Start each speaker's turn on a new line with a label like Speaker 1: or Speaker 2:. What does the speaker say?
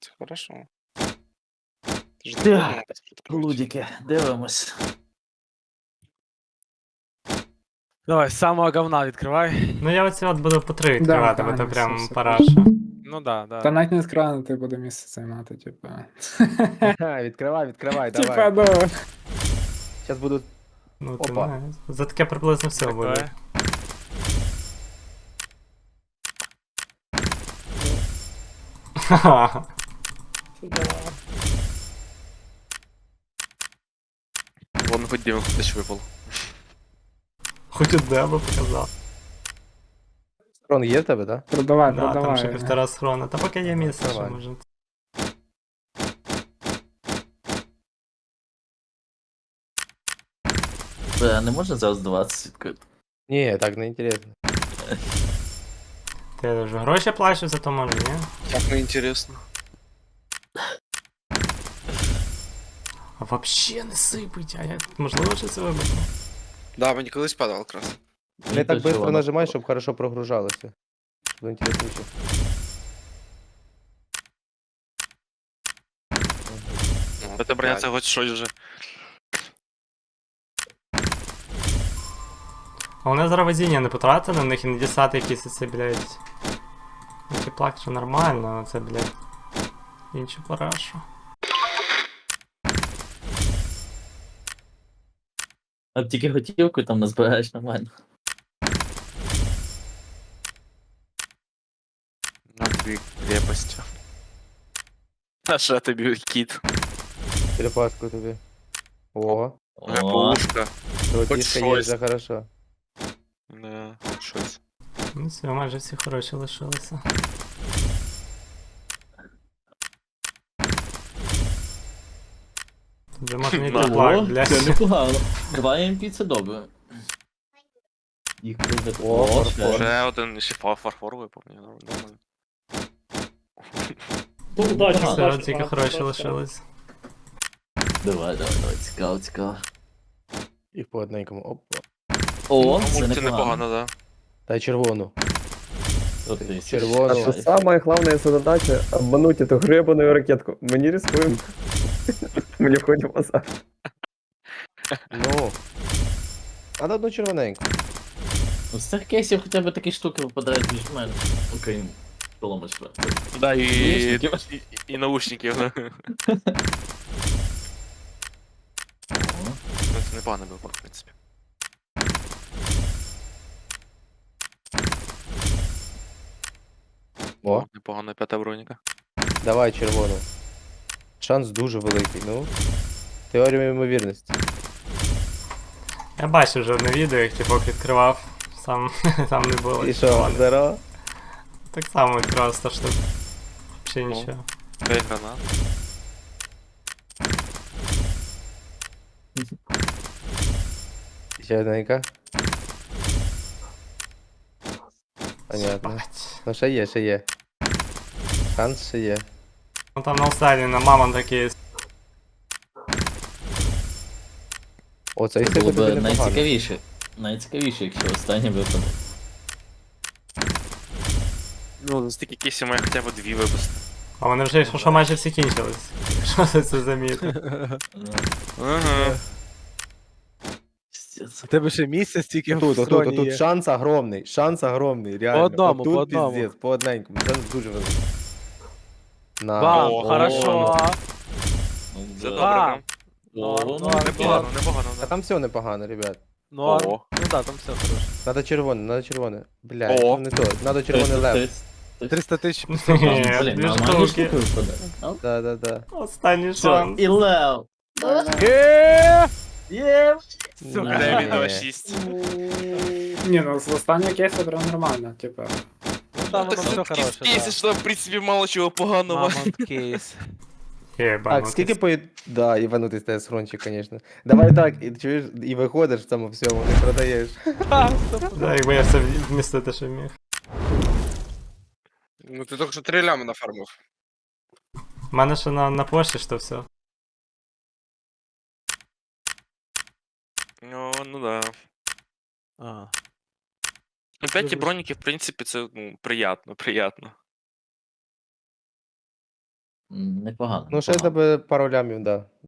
Speaker 1: есть, хорошо. Ты же не
Speaker 2: Так,
Speaker 1: понял, открыть.
Speaker 2: Лудики, дивимось.
Speaker 3: Давай, з самого говна відкривай.
Speaker 4: Ну я оці от буду по 3 відкривати, бо
Speaker 5: Да,
Speaker 4: то
Speaker 5: все,
Speaker 4: прям
Speaker 5: все.
Speaker 4: параша.
Speaker 3: Ну да,
Speaker 5: Та
Speaker 3: да.
Speaker 5: навіть не скранити буде місце займати, типа.
Speaker 6: Відкривай, давай.
Speaker 5: Типа, ну.
Speaker 6: Зараз буду.
Speaker 4: Ну ти
Speaker 6: Опа.
Speaker 4: знаєш. За таке приблизно все буде.
Speaker 3: Відкривай.
Speaker 4: Ха-ха.
Speaker 1: Вон хоть Димон десь випав.
Speaker 4: Хоч одне би показав.
Speaker 6: Схрон є в тебе, так?
Speaker 5: Продавай,
Speaker 4: Да, там ще
Speaker 5: продавай.
Speaker 4: 1,5 схрона. Та поки є місце, що
Speaker 6: Нормально.
Speaker 4: може.
Speaker 2: Не можна зараз 20 відкрити?
Speaker 6: Ні, так не інтересно.
Speaker 4: Ти вже гроші плачеш за то може, ні?
Speaker 1: Так неінтересно.
Speaker 4: А вообще не сипить, а як можливо що це вибити?
Speaker 1: Да, мені колись падав якраз.
Speaker 6: Не так швидко нажимай, щоб хорошо прогружалося. Щоб було інтересніше.
Speaker 1: Це броня, це хоч щось вже.
Speaker 4: А вони зараз везіння не потратили, на них і не дістати якісь оці, блядь. Які плак, що нормально, а це, блядь. Іншу парашу.
Speaker 2: А тільки готівку там назбираєш нормально.
Speaker 1: На тобі крепость. А що тобі кіт?
Speaker 6: Черепашку тобі. О,
Speaker 1: Пушка.
Speaker 6: золотішка є
Speaker 1: щось.
Speaker 6: вже хорошо.
Speaker 1: Да, хоч щось.
Speaker 4: Ну все, майже всі хороші лишилися. Тут вже можна йти
Speaker 1: Да.
Speaker 4: плак,
Speaker 2: О,
Speaker 4: блядь.
Speaker 2: це непогано. 2 МП це добре. Їх буде
Speaker 6: О, фарфор.
Speaker 1: Вже один ще фарфор випав, ні, нормально.
Speaker 4: Все, тільки хороші лишились.
Speaker 2: Давай, цікаво.
Speaker 6: І по одненькому. Опа.
Speaker 2: О,
Speaker 1: Ну,
Speaker 2: це
Speaker 1: це
Speaker 2: непогано.
Speaker 1: непогано, да.
Speaker 6: Дай червону.
Speaker 2: От ти,
Speaker 6: Червоно.
Speaker 7: А что самая главная задача — обмануть эту гребаную ракетку. Мы не рискуем. Мы не входим в азарт.
Speaker 6: Ну. А на одну червоненьку.
Speaker 2: Ну, з цих кейсів хоча б такі штуки випадають більш-менш. Окрім полома четвертого.
Speaker 1: Да,
Speaker 2: Наушників.
Speaker 1: і наушників. Це непогано було, в принципі.
Speaker 6: О,
Speaker 1: Непогано, п'ята броніка.
Speaker 6: давай червону. Шанс дуже великий, ну. Теорія ймовірності.
Speaker 4: Я бачив вже одне відео, як типок відкривав. Сам там не було.
Speaker 6: І що, здорово?
Speaker 4: Так само відкривав 100 штук. Ще
Speaker 1: Ну.
Speaker 4: нічого.
Speaker 1: 5 гранат.
Speaker 6: Ще одненька. Понятно.
Speaker 4: Бать.
Speaker 6: Ну ще є. Шанс ще є.
Speaker 4: Ну там на останній на мамон такий.
Speaker 6: О, це
Speaker 2: Це було
Speaker 6: тобі
Speaker 2: б
Speaker 6: непогано.
Speaker 2: найцікавіше. Найцікавіше, якщо останнє випадок.
Speaker 1: Ну, за стільки кейсів має хоча б 2 випусти.
Speaker 4: А вони вже що майже всі кінчились. Що ти це замітив?
Speaker 1: Ага.
Speaker 2: Пиздец.
Speaker 3: У тебе ще місце стільки в
Speaker 6: Тут
Speaker 3: схроні є.
Speaker 6: шанс огромний, реально.
Speaker 3: По одному,
Speaker 6: Отут
Speaker 3: по одному.
Speaker 6: піздець, по одненькому, шанс дуже великий. На.
Speaker 3: Бам,
Speaker 1: О,
Speaker 3: хорошо.
Speaker 2: Ну,
Speaker 1: Це
Speaker 2: да.
Speaker 1: добре, прям.
Speaker 2: О, ну,
Speaker 1: Непогано, непогано,
Speaker 6: А
Speaker 1: да.
Speaker 6: там все непогано, ребят.
Speaker 3: Норм.
Speaker 1: О.
Speaker 3: Ну да, там все хорошо.
Speaker 6: Надо червоне. Блядь,
Speaker 1: О.
Speaker 6: ну не то. Надо червоний лев.
Speaker 3: 300 тисяч.
Speaker 4: Ні,
Speaker 2: Блін,
Speaker 4: дві
Speaker 2: нормальні
Speaker 4: штуки.
Speaker 2: штуки випадають. Ну,
Speaker 6: Да.
Speaker 4: Останній
Speaker 2: все,
Speaker 4: шанс.
Speaker 2: і лев. Є!
Speaker 1: Сука, дай мені 2-6.
Speaker 5: Ні, ну з останнього кейсу прям нормально, типа.
Speaker 3: Ну там воно
Speaker 1: Так
Speaker 3: все
Speaker 1: це
Speaker 3: хороше,
Speaker 1: кейси, що в принципі мало чого поганого.
Speaker 3: Мамонт кейс.
Speaker 6: Так, скільки Да, іванутий стає схрончик, конечно. Давай так, і чуєш, і виходиш в цьому всьому, не продаєш.
Speaker 4: Да, якби я все вмістити, що міг.
Speaker 1: Ну ти тільки що 3 лями нафармив.
Speaker 4: У мене ще на пошті що все.
Speaker 1: Ну да.
Speaker 3: А.
Speaker 1: Ну 5 броніки, в принципі, це, ну, приятно.
Speaker 2: Непогано.
Speaker 6: Ну, ще
Speaker 2: непогано.
Speaker 6: тебе пару лямів, да.